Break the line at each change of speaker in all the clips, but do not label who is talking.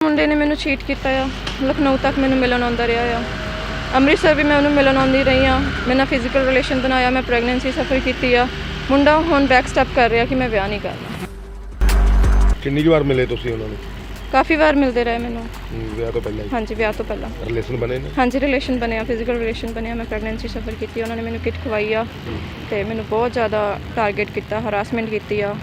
ਮੁੰਡੇ ਨੇ ਮੈਨੂੰ ਚੀਟ ਕੀਤਾ ਆ। ਲਖਨਊ ਤੱਕ ਮੈਨੂੰ ਮਿਲਣ ਆਉਂਦਾ ਰਿਹਾ ਆ। ਅੰਮ੍ਰਿਤਸਰ ਵੀ ਮੈਂ ਉਹਨੂੰ ਮਿਲਣ ਆਉਂਦੀ ਰਹੀ ਆ। ਮੈਂ ਨਾਲ ਫਿਜ਼ੀਕਲ ਰਿਲੇਸ਼ਨ ਬਣਾਇਆ, ਮੈਂ ਪ੍ਰੈਗਨੈਂਸੀ ਸਫਰ ਕੀਤੀ ਆ। ਮੁੰਡਾ ਹੁਣ ਬੈਕ ਸਟੈਪ ਕਰ ਰਿਹਾ ਕਿ ਮੈਂ ਵਿਆਹ ਨਹੀਂ ਕਰਨਾ।
ਕਿੰਨੀ ਕੁ ਵਾਰ ਮਿਲੇ ਤੁਸੀਂ ਉਹਨਾਂ ਨੂੰ?
ਕਾਫੀ ਵਾਰ ਮਿਲਦੇ ਰਹੇ ਮੈਨੂੰ।
ਵਿਆਹ ਤੋਂ ਪਹਿਲਾਂ ਹੀ?
ਹਾਂਜੀ, ਵਿਆਹ ਤੋਂ ਪਹਿਲਾਂ
ਰਿਲੇਸ਼ਨ ਬਣੇ ਨੇ? ਹਾਂਜੀ,
ਰਿਲੇਸ਼ਨ ਬਣਿਆ, ਫਿਜ਼ੀਕਲ ਰਿਲੇਸ਼ਨ ਬਣਿਆ। ਮੈਂ ਪ੍ਰੈਗਨੈਂਸੀ ਸਫਰ ਕੀਤੀ, ਉਹਨਾਂ ਨੇ ਮੈਨੂੰ ਕਿਟ ਖਵਾਈ ਆ ਤੇ ਮੈਨੂੰ ਬਹੁਤ ਜ਼ਿਆਦਾ ਟਾਰਗੇਟ ਕੀਤਾ, ਹਰਾਸਮੈਂਟ ਕੀਤੀ ਆ।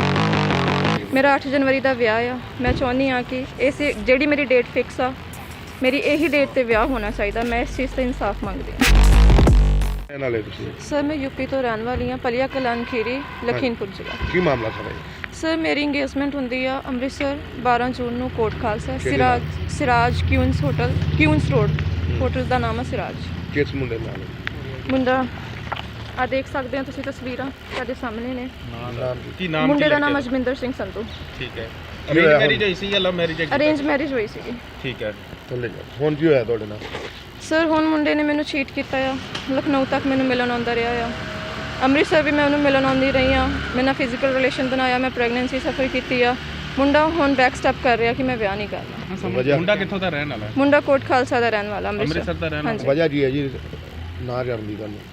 ਮੇਰਾ 8 ਜਨਵਰੀ ਦਾ ਵਿਆਹ ਆ। ਮੈਂ ਚਾਹੁੰਦੀ ਹਾਂ ਕਿ ਇਸ ਜਿਹੜੀ ਮੇਰੀ ਡੇਟ ਫਿਕਸ ਆ, ਮੇਰੀ ਇਹੀ ਡੇਟ ਤੇ ਵਿਆਹ ਹੋਣਾ ਚਾਹੀਦਾ। ਮੈਂ ਇਸ ਚੀਜ਼ 'ਤੇ ਇਨਸਾਫ ਮੰਗਦੀ ਹਾਂ।
ਨਾਲੇ ਤੁਸੀਂ?
ਸਰ ਮੈਂ ਯੂਪੀ ਤੋਂ ਰਹਿਣ ਵਾਲੀ ਹਾਂ, ਪਲੀਆ ਕਲਾਨ ਖੀਰੀ, ਲਖੀਮਪੁਰ ਜ਼ਿਲ੍ਹਾ।
ਕੀ ਮਾਮਲਾ ਸਾਰਾ?
ਸਰ ਮੇਰੀ ਇੰਗੇਜਮੈਂਟ ਹੁੰਦੀ ਆ ਅੰਮ੍ਰਿਤਸਰ 12 ਜੂਨ ਨੂੰ, Kot Khalsa, Siraj Queens hotel, Queens road hotel ਦਾ ਨਾਮ ਹੈ ਸਿਰਾਜ।
ਕਿਸ ਮੁੰਡੇ ਨਾਲ?
ਮੁੰਡਾ ਆ ਦੇਖ ਸਕਦੇ ਹੋ ਤੁਸੀਂ, ਤਸਵੀਰਾਂ ਸਾਡੇ ਸਾਹਮਣੇ ਨੇ।
ਕੀ ਨਾਮ?
ਮੁੰਡੇ ਦਾ ਨਾਮ ਅਜਮਿੰਦਰ ਸਿੰਘ ਸੰਧੂ।
ਠੀਕ ਹੈ। ਅਰੇਂਜ ਮੈਰਿਜ ਹੋਈ ਸੀ ਜਾਂ ਲਵ ਮੈਰਿਜ?
ਅਰੇਂਜ ਮੈਰਿਜ ਹੋਈ ਸੀਗੀ।
ਠੀਕ ਹੈ। ਹੁਣ ਕੀ ਹੋਇਆ ਤੁਹਾਡੇ ਨਾਲ?
ਸਰ ਹੁਣ ਮੁੰਡੇ ਨੇ ਮੈਨੂੰ ਚੀਟ ਕੀਤਾ ਆ। ਲਖਨਊ ਤੱਕ ਮੈਨੂੰ ਮਿਲਣ ਆਉਂਦਾ ਰਿਹਾ ਆ। ਅੰਮ੍ਰਿਤਸਰ ਵੀ ਮੈਂ ਉਹਨੂੰ ਮਿਲਣ ਆਉਂਦੀ ਰਹੀ ਆ। ਮੈਂ ਨਾਲ ਫਿਜ਼ੀਕਲ ਰਿਲੇਸ਼ਨ ਬਣਾਇਆ, ਮੈਂ ਪ੍ਰੈਗਨੈਂਸੀ ਸਫਰ ਕੀਤੀ ਆ। ਮੁੰਡਾ ਹੁਣ ਬੈਕ ਸਟੈਪ ਕਰ ਰਿਹਾ ਕਿ ਮੈਂ ਵਿਆਹ ਨਹੀਂ ਕਰਨਾ।
ਮੁੰਡਾ ਕਿੱਥੋਂ ਦਾ ਰਹਿਣ ਵਾਲਾ?
ਮੁੰਡਾ ਕੋਟ ਖਾਲਸਾ ਦਾ ਰਹਿਣ ਵਾਲਾ,
ਅੰਮ੍ਰਿਤਸਰ ਦਾ ਰਹਿਣ ਵਾਲਾ। ਵਜ੍ਹਾ ਕੀ ਹੈ ਜੀ ਨਾ ਕਰਨ ਦੀ ਗੱਲ?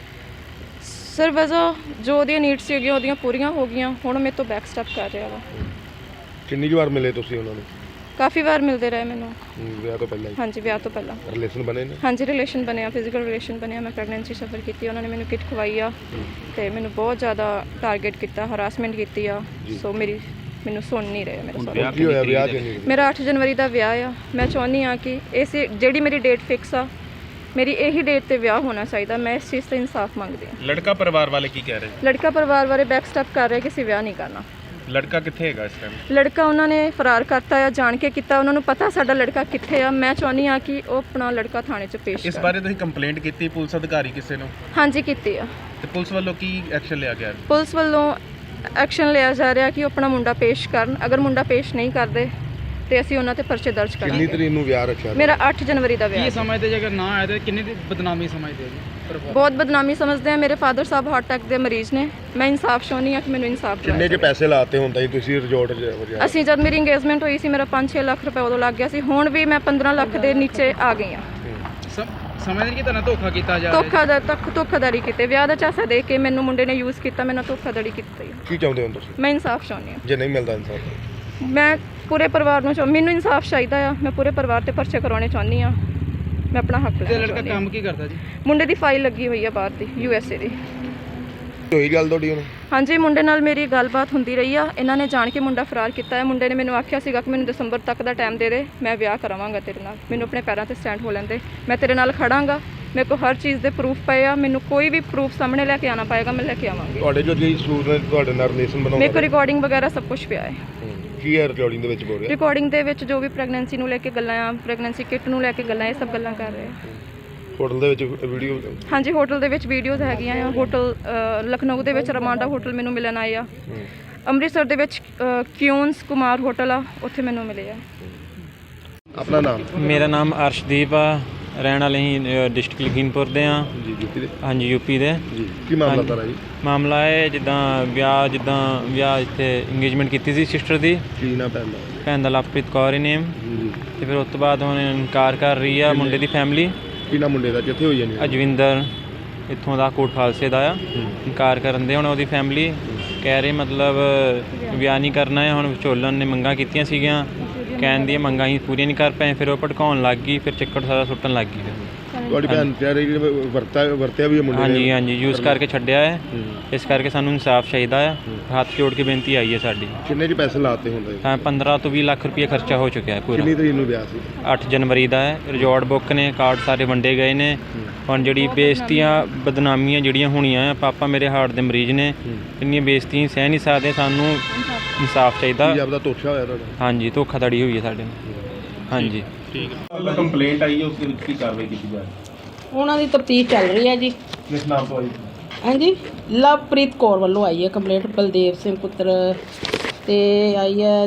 ਸਰ ਵਜ੍ਹਾ ਜੋ ਉਹਦੀਆਂ ਨੀਡਸ ਸੀਗੀਆਂ ਉਹਦੀਆਂ ਪੂਰੀਆਂ ਹੋ ਗਈਆਂ, ਹੁਣ ਮੇਰੇ ਤੋਂ ਬੈਕ ਸਟੈਪ ਕਰ ਰਿਹਾ ਵਾ।
ਕਿੰਨੀ ਕੁ ਵਾਰ ਮਿਲੇ ਤੁਸੀਂ ਉਹਨਾਂ ਨੂੰ?
ਕਾਫੀ ਵਾਰ ਮਿਲਦੇ ਰਹੇ ਮੈਨੂੰ।
ਵਿਆਹ ਤੋਂ ਪਹਿਲਾਂ ਹੀ?
ਹਾਂਜੀ, ਵਿਆਹ ਤੋਂ ਪਹਿਲਾਂ
ਰਿਲੇਸ਼ਨ ਬਣੇ ਨੇ?
ਹਾਂਜੀ, ਰਿਲੇਸ਼ਨ ਬਣਿਆ, ਫਿਜ਼ੀਕਲ ਰਿਲੇਸ਼ਨ ਬਣਿਆ। ਮੈਂ ਪ੍ਰੈਗਨੈਂਸੀ ਸਫਰ ਕੀਤੀ, ਉਹਨਾਂ ਨੇ ਮੈਨੂੰ ਕਿਟ ਖਵਾਈ ਆ ਤੇ ਮੈਨੂੰ ਬਹੁਤ ਜ਼ਿਆਦਾ ਟਾਰਗੇਟ ਕੀਤਾ, ਹਰਾਸਮੈਂਟ ਕੀਤੀ ਆ। ਸੋ ਮੈਨੂੰ ਸੁਣ ਨਹੀਂ ਰਹੇ ਮੇਰੇ ਸਾਰੇ।
ਕੀ ਹੋਇਆ ਵਿਆਹ ਕਿੰਨੀ?
ਮੇਰਾ 8 ਜਨਵਰੀ ਦਾ ਵਿਆਹ ਆ। ਮੈਂ ਚਾਹੁੰਦੀ ਹਾਂ ਕਿ ਇਸ ਜਿਹੜੀ ਮੇਰੀ ਡੇਟ ਫਿਕਸ ਆ, ਮੇਰੀ ਇਹੀ ਡੇਟ ਤੇ ਵਿਆਹ ਹੋਣਾ ਚਾਹੀਦਾ। ਮੈਂ ਇਸ ਚੀਜ਼ 'ਤੇ ਇਨਸਾਫ ਮੰਗਦੀ ਹਾਂ।
ਲੜਕਾ ਪਰਿਵਾਰ ਵਾਲੇ ਕੀ ਕਹਿ ਰਹੇ?
ਲੜਕਾ ਪਰਿਵਾਰ ਵਾਲੇ ਬੈਕ ਸਟੈਪ ਕਰ ਰਹੇ ਕਿ ਅਸੀਂ ਵਿਆਹ ਨਹੀਂ ਕਰਨਾ।
ਲੜਕਾ ਕਿੱਥੇ ਹੈਗਾ ਇਸ ਟਾਈਮ?
ਲੜਕਾ ਉਹਨਾਂ ਨੇ ਫਰਾਰ ਕਰਤਾ ਆ, ਜਾਣ ਕੇ ਕੀਤਾ। ਉਹਨਾਂ ਨੂੰ ਪਤਾ ਸਾਡਾ ਲੜਕਾ ਕਿੱਥੇ ਆ। ਮੈਂ ਚਾਹੁੰਦੀ ਹਾਂ ਕਿ ਉਹ ਆਪਣਾ ਲੜਕਾ ਥਾਣੇ 'ਚ ਪੇਸ਼
ਇਸ ਬਾਰੇ ਤੁਸੀਂ ਕੰਪਲੇਂਟ ਕੀਤੀ ਪੁਲਿਸ ਅਧਿਕਾਰੀ ਕਿਸੇ ਨੂੰ?
ਹਾਂਜੀ, ਕੀਤੀ ਆ।
ਤੇ ਪੁਲਿਸ ਵੱਲੋਂ ਕੀ ਐਕਸ਼ਨ ਲਿਆ ਗਿਆ?
ਪੁਲਿਸ ਵੱਲੋਂ ਐਕਸ਼ਨ ਲਿਆ ਜਾ ਰਿਹਾ ਕਿ ਉਹ ਆਪਣਾ ਮੁੰਡਾ ਪੇਸ਼ ਕਰਨ। ਅਗਰ ਮੁੰਡਾ ਪੇਸ਼ ਨਹੀਂ ਕਰਦੇ ਤੇ ਅਸੀਂ ਉਹਨਾਂ ਤੇ ਪਰਚੇ ਦਰਜ ਕਰਾਂਗੇ।
ਕਿੰਨੀ ਤਰੀਕ ਨੂੰ ਵਿਆਹ ਰੱਖਿਆ?
ਮੇਰਾ 8 ਜਨਵਰੀ ਦਾ ਵਿਆਹ।
ਕੀ ਸਮਝਦੇ ਜੇ ਅਗਰ ਨਾ ਆਏ ਤਾਂ ਕਿੰਨੀ ਦੀ ਬਦਨਾਮੀ ਸਮਝਦੇ ਜੀ?
ਬਹੁਤ ਬਦਨਾਮੀ ਸਮਝਦੇ ਆ। ਮੇਰੇ ਫਾਦਰ ਸਾਹਿਬ ਹਾਰਟ ਅਟੈਕ ਦੇ ਮਰੀਜ਼ ਨੇ। ਮੈਂ ਇਨਸਾਫ ਚਾਹੁੰਦੀ ਹਾਂ ਕਿ ਮੈਨੂੰ ਇਨਸਾਫ ਦਿਵਾਇਆ
ਜਾਵੇ। ਕਿੰਨੇ ਕੇ ਪੈਸੇ ਲਾਤੇ ਹੁੰਦਾ ਜੀ ਤੁਸੀਂ ਰਿਜ਼ੋਰਟ 'ਚ?
ਅਸੀਂ ਜਦ ਮੇਰੀ ਇੰਗੇਜਮੈਂਟ ਹੋਈ ਸੀ ਮੇਰਾ 5-6 ਲੱਖ ਰੁਪਏ ਉਦੋਂ ਲੱਗ ਗਿਆ ਸੀ। ਹੁਣ ਵੀ ਮੈਂ 15 ਲੱਖ ਦੇ ਨੀਚੇ ਆ ਗਈ ਹਾਂ।
ਸਮਝਦੇ ਕਿ ਤੁਹਾਨੂੰ ਧੋਖਾ ਕੀਤਾ ਜਾ ਰਿਹਾ?
ਧੋਖਾਧੜੀ ਕੀਤੇ। ਵਿਆਹ ਦਾ ਚਾਸਾ ਦੇ ਕੇ ਮੈਨੂੰ ਮੁੰਡੇ ਨੇ ਯੂਜ਼ ਕੀਤਾ, ਮੈਨੂੰ ਧੋਖਾਧੜੀ ਕੀਤੀ।
ਕੀ ਚਾਹੁੰਦੇ ਹੋ ਤੁਸੀਂ?
ਮੈਂ ਇਨਸਾਫ ਚਾਹੁੰਦੀ ਹਾਂ।
ਜੇ ਨਹੀਂ ਮਿਲਦਾ ਇਨਸਾਫ?
ਮੈਂ ਪੂਰੇ ਪਰਿਵਾਰ ਨੂੰ ਮੈਨੂੰ ਇਨਸਾਫ ਚਾਹੀਦਾ ਆ। ਮੈਂ ਪੂਰੇ ਪਰਿਵਾਰ ਤੇ ਪਰਚੇ ਕਰਾਉਣੇ ਚਾਹੁੰਦੀ ਹਾਂ। ਮੈਂ ਆਪਣਾ ਹੱਕ ਲੈਣਾ।
ਲੜਕਾ ਕੰਮ ਕੀ ਕਰਦਾ ਜੀ?
ਮੁੰਡੇ ਦੀ ਫਾਈਲ ਲੱਗੀ ਹੋਈ ਆ ਬਾਹਰ ਦੀ, USA ਦੀ।
ਹੋਈ ਗੱਲ ਤੁਹਾਡੀ ਹੁਣ? ਹਾਂਜੀ,
ਮੁੰਡੇ ਨਾਲ ਮੇਰੀ ਗੱਲਬਾਤ ਹੁੰਦੀ ਰਹੀ ਆ। ਇਹਨਾਂ ਨੇ ਜਾਣ ਕੇ ਮੁੰਡਾ ਫਰਾਰ ਕੀਤਾ ਹੈ। ਮੁੰਡੇ ਨੇ ਮੈਨੂੰ ਆਖਿਆ ਸੀਗਾ ਕਿ ਮੈਨੂੰ ਦਸੰਬਰ ਤੱਕ ਦਾ ਟਾਈਮ ਦੇ ਦੇ, ਮੈਂ ਵਿਆਹ ਕਰਾਵਾਂਗਾ ਤੇਰੇ ਨਾਲ। ਮੈਨੂੰ ਆਪਣੇ ਪੈਰਾਂ ਤੇ ਸਟੈਂਡ ਹੋ ਲੈਂਦੇ, ਮੈਂ ਤੇਰੇ ਨਾਲ ਖੜਾਂਗਾ। ਮੇਰੇ ਕੋਲ ਹਰ ਚੀਜ਼ ਦੇ ਪ੍ਰੂਫ ਪਏ ਆ। ਮੈਨੂੰ ਕੋਈ ਵੀ ਪ੍ਰੂਫ ਸਾਹਮਣੇ ਲੈ ਕੇ ਆਉਣਾ ਪਏਗਾ, ਮੈਂ ਲੈ ਕੇ ਆਵਾਂਗੀ।
ਤੁਹਾਡੇ ਜੋ ਜੀ ਸੂਟ ਨੇ ਤੁਹਾਡੇ ਨਾਲ ਰਿਲੇਸ਼ਨ ਬਣਾਉਣਾ?
ਮੇਰੇ ਕੋਲ ਰਿਕਾਰਡਿੰਗ ਵਗੈਰਾ ਸਭ ਕੁਝ ਪਿਆ ਹੈ।
ਕੀ ਹੈ ਰਿਕਾਰਡਿੰਗ ਦੇ ਵਿੱਚ ਬੋਲ ਰਿਹਾ?
ਰਿਕਾਰਡਿੰਗ ਦੇ ਵਿੱਚ ਜੋ ਵੀ ਪ੍ਰੈਗਨੈਂਸੀ ਨੂੰ ਲੈ ਕੇ ਗੱਲਾਂ ਆ, ਪ੍ਰੈਗਨੈਂਸੀ ਕਿਟ ਨੂੰ ਲੈ ਕੇ ਗੱਲਾਂ, ਇਹ ਸਭ ਗੱਲਾਂ ਕਰ ਰਹੇ ਆ।
ਹੋਟਲ ਦੇ ਵਿੱਚ ਵੀਡੀਓ? ਹਾਂਜੀ,
ਹੋਟਲ ਦੇ ਵਿੱਚ ਵੀਡੀਓਜ਼ ਹੈਗੀਆਂ ਆ। ਹੋਟਲ ਲਖਨਊ ਦੇ ਵਿੱਚ ਰਮਾਂਡਾ ਹੋਟਲ ਮੈਨੂੰ ਮਿਲਣ ਆਏ ਆ। ਅੰਮ੍ਰਿਤਸਰ ਦੇ ਵਿੱਚ ਕਿਊਨਸ ਕੁਮਾਰ ਹੋਟਲ ਆ, ਉੱਥੇ ਮੈਨੂੰ ਮਿਲੇ ਆ।
ਆਪਣਾ ਨਾਮ?
ਮੇਰਾ ਨਾਮ ਅਰਸ਼ਦੀਪ ਆ, ਰਹਿਣ ਵਾਲੇ ਹੀ ਡਿਸਟ੍ਰਿਕਟ ਲਖੀਮਪੁਰ ਦੇ ਆ
ਜੀ। ਯੂਪੀ ਦੇ? ਹਾਂਜੀ,
ਯੂਪੀ ਦੇ
ਜੀ। ਕੀ ਮਾਮਲਾ ਸਾਰਾ ਜੀ?
ਮਾਮਲਾ ਹੈ ਜਿੱਦਾਂ ਵਿਆਹ ਇੱਥੇ ਇੰਗੇਜਮੈਂਟ ਕੀਤੀ ਸੀ ਸਿਸਟਰ ਦੀ।
ਕੀ ਨਾ ਪੈਂਦਾ?
ਭੈਣ ਦਾ ਲਵਪ੍ਰੀਤ ਕੌਰ ਹੀ ਨੇਮ। ਤੇ ਫਿਰ ਉਸ ਤੋਂ ਬਾਅਦ ਹੁਣ ਇਨਕਾਰ ਕਰ ਰਹੀ ਆ ਮੁੰਡੇ ਦੀ ਫੈਮਿਲੀ।
ਕੀ ਨਾ ਮੁੰਡੇ ਦਾ ਕਿੱਥੇ ਹੋਈ ਜਾਨੀ?
ਅਜਵਿੰਦਰ, ਇੱਥੋਂ ਦਾ ਕੋਟ ਖਾਲਸੇ ਦਾ ਆ। ਇਨਕਾਰ ਕਰਨ ਦੇ ਹੁਣ ਉਹਦੀ ਫੈਮਿਲੀ ਕਹਿ ਰਹੀ ਮਤਲਬ ਵਿਆਹ ਨਹੀਂ ਕਰਨਾ ਹੈ। ਹੁਣ ਵਿਚੋਲਨ ਨੇ ਮੰਗਾਂ ਕੀਤੀਆਂ ਸੀਗੀਆਂ, ਕਹਿਣ ਦੀਆਂ ਮੰਗਾਂ ਹੀ ਪੂਰੀਆਂ ਨਹੀਂ ਕਰ ਪਏ। ਫਿਰ ਉਹ ਭੜਕਾਉਣ ਲੱਗ ਗਈ, ਫਿਰ ਚੱਕਰ ਸਾਰਾ ਸੁੱਟਣ ਲੱਗ ਗਈ।
ਤੁਹਾਡੀ ਭੈਣ ਤੇ ਵਰਤਿਆ ਵੀ ਮੁੰਡੇ ਨੇ? ਹਾਂਜੀ,
ਯੂਜ਼ ਕਰਕੇ ਛੱਡਿਆ ਹੈ। ਇਸ ਕਰਕੇ ਸਾਨੂੰ ਇਨਸਾਫ ਚਾਹੀਦਾ ਆ। ਹੱਥ ਜੋੜ ਕੇ ਬੇਨਤੀ ਆਈ ਹੈ ਸਾਡੀ।
ਕਿੰਨੇ ਜੀ ਪੈਸੇ ਲਾਤੇ ਹੁੰਦੇ?
ਤਾਂ 15 ਤੋਂ 20 ਲੱਖ ਰੁਪਏ ਖਰਚਾ ਹੋ ਚੁੱਕਿਆ ਹੈ ਪੂਰਾ।
ਕਿੰਨੀ ਤਰੀਕ ਨੂੰ ਵਿਆਹ ਸੀ?
8 ਜਨਵਰੀ ਦਾ ਹੈ। ਰਿਜ਼ੋਰਟ ਬੁੱਕ ਨੇ, ਕਾਰਡ ਸਾਰੇ ਵੰਡੇ ਗਏ ਨੇ। ਹੁਣ ਜਿਹੜੀ ਬੇਇੱਜ਼ਤੀਆਂ ਬਦਨਾਮੀਆਂ ਜਿਹੜੀਆਂ ਹੋਣੀਆਂ ਆ, ਪਾਪਾ ਮੇਰੇ ਹਾਰਟ ਦੇ ਮਰੀਜ਼ ਨੇ, ਇੰਨੀਆਂ ਬੇਇੱਜ਼ਤੀਆਂ ਸਹਿ ਨਹੀਂ ਸਕਦੇ। ਸਾਨੂੰ ਇਨਸਾਫ ਚਾਹੀਦਾ।
ਆਪਦਾ ਧੋਖਾ ਹੋਇਆ ਤੁਹਾਡਾ? ਹਾਂਜੀ,
ਧੋਖਾਧੜੀ ਹੋਈ ਹੈ ਸਾਡੇ ਨਾਲ। ਹਾਂਜੀ,
ਠੀਕ ਹੈ। ਕੰਪਲੇਂਟ ਆਈ ਹੈ, ਉਸ ਦੇ ਵਿੱਚ ਕੀ ਕਾਰਵਾਈ ਕੀਤੀ ਜਾ ਰਹੀ ਹੈ?
ਉਹਨਾਂ ਦੀ ਤਫਤੀਸ਼ ਚੱਲ ਰਹੀ ਹੈ ਜੀ।
ਕਿਸ ਨਾਮ ਤੋਂ ਆਈ?
ਹਾਂਜੀ, ਲਵਪ੍ਰੀਤ ਕੌਰ ਵੱਲੋਂ ਆਈ ਹੈ ਕੰਪਲੇਂਟ। ਬਲਦੇਵ ਸਿੰਘ ਪੁੱਤਰ ਤੇ ਆਈ ਹੈ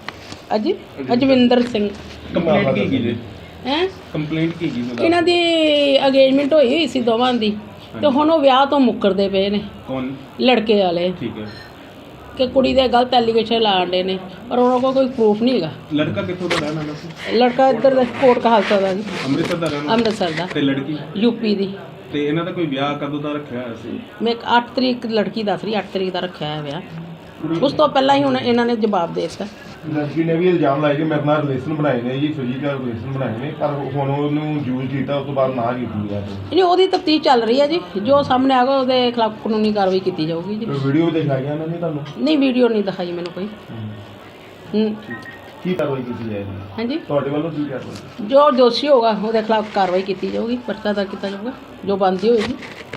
ਅਜਵਿੰਦਰ ਸਿੰਘ।
ਕੰਪਲੇਂਟ ਕੀ ਜੀ?
ਕੰਪਲੇਂਟ ਕੀ ਜੀ? ਇਹਨਾਂ ਦੀ ਅੰਗੇਜਮੈਂਟ ਹੋਈ ਸੀ ਦੋਵਾਂ ਦੀ, ਤੇ ਹੁਣ ਉਹ ਵਿਆਹ ਤੋਂ ਮੁੱਕਰਦੇ ਪਏ ਨੇ।
ਕੌਣ?
ਲੜਕੇ ਵਾਲੇ।
ਠੀਕ ਹੈ।
ਕਿ ਕੁੜੀ ਦੇ ਗਲਤ ਐਲੀਗੇਸ਼ਨ ਲਾਉਂਦੇ ਨੇ ਪਰ ਉਹਨਾਂ ਕੋਲ ਕੋਈ ਪ੍ਰੂਫ ਨਹੀਂ ਹੈਗਾ।
ਲੜਕਾ ਕਿੱਥੋਂ ਦਾ ਰਹਿਣ ਵਾਲਾ ਸੀ?
ਲੜਕਾ ਇੱਧਰ ਦਾ ਕੋਟ ਕਹਾਲਸਾ ਦਾ ਜੀ,
ਅੰਮ੍ਰਿਤਸਰ ਦਾ ਰਹਿਣ ਵਾਲਾ
ਅੰਮ੍ਰਿਤਸਰ ਦਾ,
ਤੇ ਲੜਕੀ
ਯੂਪੀ ਦੀ।
ਤੇ ਇਹਨਾਂ ਦਾ ਕੋਈ ਵਿਆਹ ਕਦੋਂ ਦਾ ਰੱਖਿਆ ਹੋਇਆ ਸੀ?
ਮੈਂ 8 ਤਰੀਕ ਲੜਕੀ ਦੱਸ ਰਹੀ 8 ਤਰੀਕ ਦਾ ਰੱਖਿਆ ਹੈ ਵਿਆਹ। ਉਸ ਤੋਂ ਪਹਿਲਾਂ ਹੀ ਹੁਣ ਇਹਨਾਂ ਨੇ ਜਵਾਬ ਦੇ ਦਿੱਤਾ।
ਲੜਕੀ ਨੇ ਵੀ ਇਲਜ਼ਾਮ ਲਾਇਆ ਕਿ ਮੇਰੇ ਨਾਲ ਰਿਲੇਸ਼ਨ ਬਣਾਏ ਨੇ ਜੀ, ਫਿਜ਼ੀਕਲ ਰਿਲੇਸ਼ਨ ਬਣਾਏ ਨੇ, ਪਰ ਹੁਣ ਉਹਨੂੰ ਯੂਜ਼ ਕੀਤਾ, ਉਸ ਤੋਂ ਬਾਅਦ ਨਾ ਕੀਤੀ ਹੈ।
ਨਹੀਂ, ਉਹਦੀ ਤਫਤੀਸ਼ ਚੱਲ ਰਹੀ ਹੈ ਜੀ, ਜੋ ਸਾਹਮਣੇ ਆਗਾ ਉਹਦੇ ਖਿਲਾਫ ਕਾਨੂੰਨੀ ਕਾਰਵਾਈ ਕੀਤੀ ਜਾਊਗੀ ਜੀ।
ਵੀਡੀਓ ਵੀ ਦਿਖਾਈਆਂ ਉਹਨਾਂ ਨੇ ਤੁਹਾਨੂੰ?
ਨਹੀਂ, ਵੀਡੀਓ ਨਹੀਂ ਦਿਖਾਈ ਮੈਨੂੰ ਕੋਈ।
ਕੀ ਕਾਰਵਾਈ ਕੀਤੀ ਜਾਏਗੀ
ਹਾਂਜੀ,
ਤੁਹਾਡੇ ਵੱਲੋਂ? ਕੀ ਕਾਰਵਾਈ?
ਜੋ ਦੋਸ਼ੀ ਹੋਗਾ ਉਹਦੇ ਖਿਲਾਫ ਕਾਰਵਾਈ ਕੀਤੀ ਜਾਊਗੀ, ਪਰਚਾ ਦਰਜ ਕੀਤਾ ਜਾਊਗਾ, ਜੋ ਬਣਦੀ ਹੋਏਗੀ।